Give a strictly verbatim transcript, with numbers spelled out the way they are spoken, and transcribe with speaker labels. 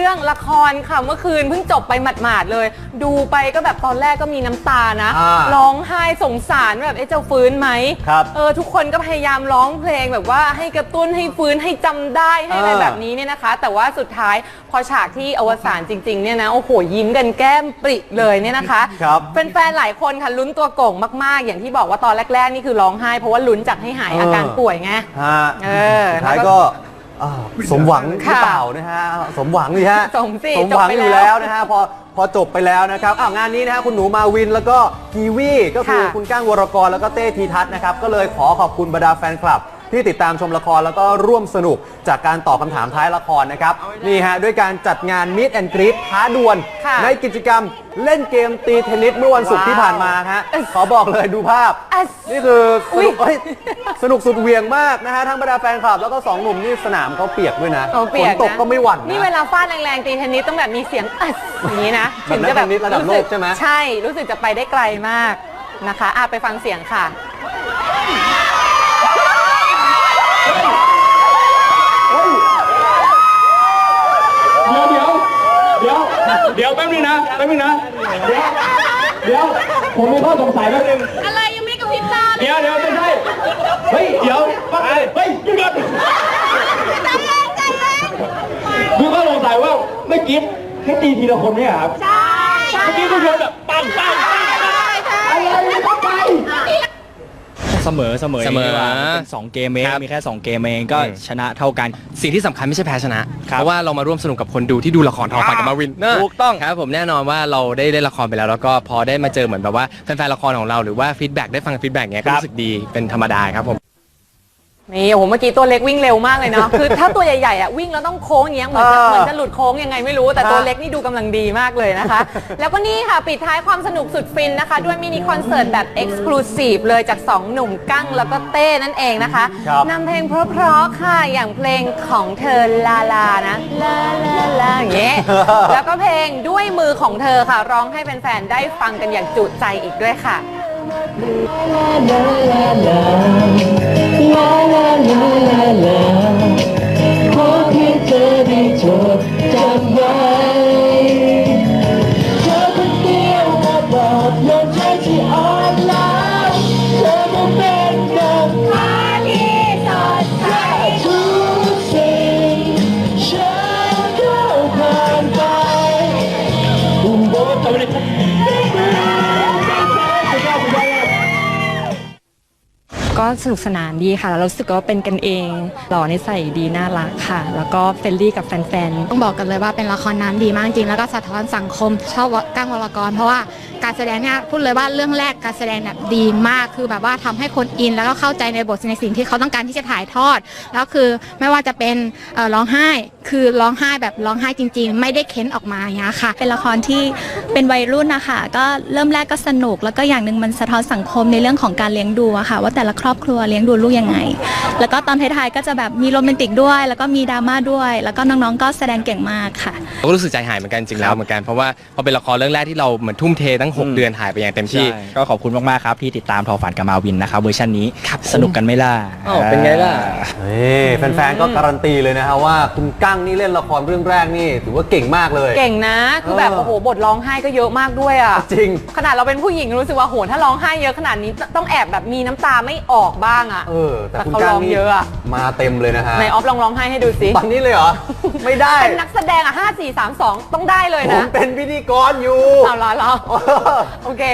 Speaker 1: รื่องละครค่ะเมื่อคืนเพิ่งจบไปหมาดๆเลยดูไปก็แบบตอนแรกก็มีน้ำตานะร้องไห้สงสารแบบเอ๊ะจะฟื้นไหมเออทุกคนก็พยายามร้องเพลงแบบว่าให้กระตุ้นให้ฟื้นให้จำได้ให้อะไรแบบนี้เนี่ยนะคะแต่ว่าสุดท้ายพอฉากที่อวสานจริงๆเนี่ยนะโอ้โหยิ้มกันแก้มปริเลยเนี่ยนะคะแฟนๆหลายคนค่ะลุ้นตัวโก่งมากๆอย่างที่บอกว่าตอนแรกๆนี่คือร้องไห้เพราะว่าลุ้นจากให้หายอาการป่วยไงเออ
Speaker 2: ท้ายก็สมหวังหรือเปล่านะฮะสมหวังนี่ฮะ
Speaker 1: สมสิ
Speaker 2: สมหวังอยู่แล้วนะฮะพอพอจบไปแล้วนะครับอ้าวงานนี้นะฮะคุณหนูมาวินแล้วก็กีวีก็คือคุณก้างวรกรแล้วก็เต้ทีทัศน์นะครับก็เลยขอขอบคุณบรรดาแฟนคลับที่ติดตามชมละครแล้วก็ร่วมสนุกจากการตอบคำถามท้ายละครนะครับนี่ฮะด้วยการจัดงาน Meet and Greet ท้าดวลในกิจกรรมเล่นเกมตีเทนนิสเมื่อวันศุกร์ที่ผ่านมาฮะขอบอกเลยดูภาพนี่คือสนุกสุดเวียงมากนะฮะทั้งบรรดาแฟนคลับแล้วก็สองหนุ่มนี่สนามเขาเปียกด้วยนะฝนตกก็ไม่หวั่น
Speaker 1: นี่เวลาฟาดแรงๆตีเทนนิสต้องแบบมีเสียงอย่างนี้นะ
Speaker 2: ถึงจะแบบระดับโลกใช่ไหม
Speaker 1: ใช่รู้สึกจะไปได้ไกลมากนะคะอ่ะไปฟังเสียงค่ะ
Speaker 3: เดี๋ยวเดี๋ยวเดี๋ยวแป๊บนึงนะแป๊บนึงนะเดี๋ยวเดี๋ยวผมมีข้อสงสัยแป๊บนึง
Speaker 1: อะไรยังไม่กระพริบตา
Speaker 3: เดี๋ยวเดี๋ยวไม่ใช่เฮ้ยเดี๋ยวปั๊บเฮ้ยหยุดก่อนคือข้อสงสัยว่าไม่กิฟต์ให้ตีทีละคนไหมครับ
Speaker 1: ใช่
Speaker 3: เมื่อกี้ทุกคนแบบปังปังปังอะไรเข้าไป
Speaker 4: เสมอเสมอเสมอเป็นสองเกมเองมีแค่สองเกมเองก็ชนะเท่ากัน
Speaker 5: สิ่งที่สำคัญไม่ใช่แพ้ชนะเพราะว่าเรามาร่วมสนุกกับคนดูที่ดูละครทอฝันกับมาวิน
Speaker 4: ถูกต้อง
Speaker 5: ครับผมแน่นอนว่าเราได้เล่นละครไปแล้วแล้วก็พอได้มาเจอเหมือนแบบว่าแฟนๆละครของเราหรือว่าฟีดแบ็กได้ฟังฟีดแบ็กเงี้ยก็รู้สึกดีเป็นธรรมดาครับผม
Speaker 1: นี่โอ้โหเมื่อกี้ตัวเล็กวิ่งเร็วมากเลยเนาะคือถ้าตัวใหญ่ๆอ่ะวิ่งแล้วต้องโค้งอย่างเงี้ยเหมือนจะเหมือนจะหลุดโค้งยังไงไม่รู้แต่ตัวเล็กนี่ดูกำลังดีมากเลยนะคะแล้วก็นี่ค่ะปิดท้ายความสนุกสุดฟินนะคะด้วยมินิคอนเสิร์ตแบบเอ็กซ์คลูซีฟเลยจากสองหนุ่มกั้งแล้วก็เต้นั่นเองนะคะนำเพลงเพราะๆค่ะอย่างเพลงของเธอลาลานะลาลาลาอย่างเงี้ยแล้วก็เพลงด้วยมือของเธอค่ะร้องให้แฟนๆได้ฟังกันอย่างจุใจอีกด้วยค่ะ
Speaker 6: ขอเพียงเธอได้จดจำไว้เธอคนเดียวมาบอกยอมใจที่อ่อนล้าเธอมาเป็นดังฟ้าที่สดใสทุกสิ่งฉันก้าวผ่านไปอุ้มโบตัวเล็ก
Speaker 7: ก็สนุกสนานดีค่ะแล้วรู้สึกว่าเป็นกันเองหล่อนิสัยดีน่ารักค่ะแล้วก็เฟรนลี่กับแฟนๆ
Speaker 8: ต้องบอกกันเลยว่าเป็นละครน้ำดีมากจริงแล้วก็สะท้อนสังคมชอบก้างวรกรเพราะว่าการแสดงเนี่ยพูดเลยว่าเรื่องแรกการแสดงแบบดีมากคือแบบว่าทำให้คนอินแล้วก็เข้าใจในบทในสิ่งที่เขาต้องการที่จะถ่ายทอดแล้วคือไม่ว่าจะเป็นร้องไห้คือร้องไห้แบบร้องไห้จริงๆไม่ได้เค้นออกมาอย่างเงี้ยค่ะ
Speaker 9: เป็นละครที่เป็นวัยรุ่นนะคะก็เริ่มแรกก็สนุกแล้วก็อย่างหนึ่งมันสะท้อนสังคมในเรื่องของการเลี้ยงดูอะค่ะว่าแต่ละครอบครัวเลี้ยงดูลูกยังไงแล้วก็ตอนท้ายๆก็จะแบบมีโรแมนติกด้วยแล้วก็มีดราม่าด้วยแล้วก็น้องๆก็แสดงเก่งมากค่ะ
Speaker 5: ก็รู้สึกใจหายเหมือนกันจริงแล้วเหมือนกันเพราะว่าพอเป็นละครเรื่องแรกที่เราเหมือนทุ่มเทตั้งหกเดือนหายไปอย่างเต็มที่
Speaker 4: ก็ขอบคุณมากๆครับที่ติดตามทอฝันกับมาวินนะครับเวอร์ชันนี้สนุกกันไม่ล่ะ
Speaker 5: เป็นไงล่ะ
Speaker 2: แฟนๆก็การันตีเลยนะฮะว่าคุณกั้งนี่เล่นละครเรื่องแรกนี่ถือว่าเก่งมากเลย
Speaker 1: เก่งนะคือแบบโอ้โหบทร้องไห้ก็เยอะมากด้วยอ่ะ
Speaker 2: จริง
Speaker 1: ขนาดเราเป็นผู้หญิงรู้สึกว่าโหถ้าร้องไห้เยอะขนาดนี้ต้องแอบแบบมีน้ำตาไม่ออกบ้างอ่ะ
Speaker 2: เออแต่คุณกั้งนี่มาเต็มเลยนะฮะ
Speaker 1: ในออฟลองร้องไห้ให้ดูสิ
Speaker 2: ตอนนี้เลยเหรอไม่ได้
Speaker 1: เป็นนักแสดงอ่ะห้า สี่ สาม สองต้องได้เลยนะ
Speaker 2: ผมเป็นพิธีกรอยู่
Speaker 1: เอาละเราโอเค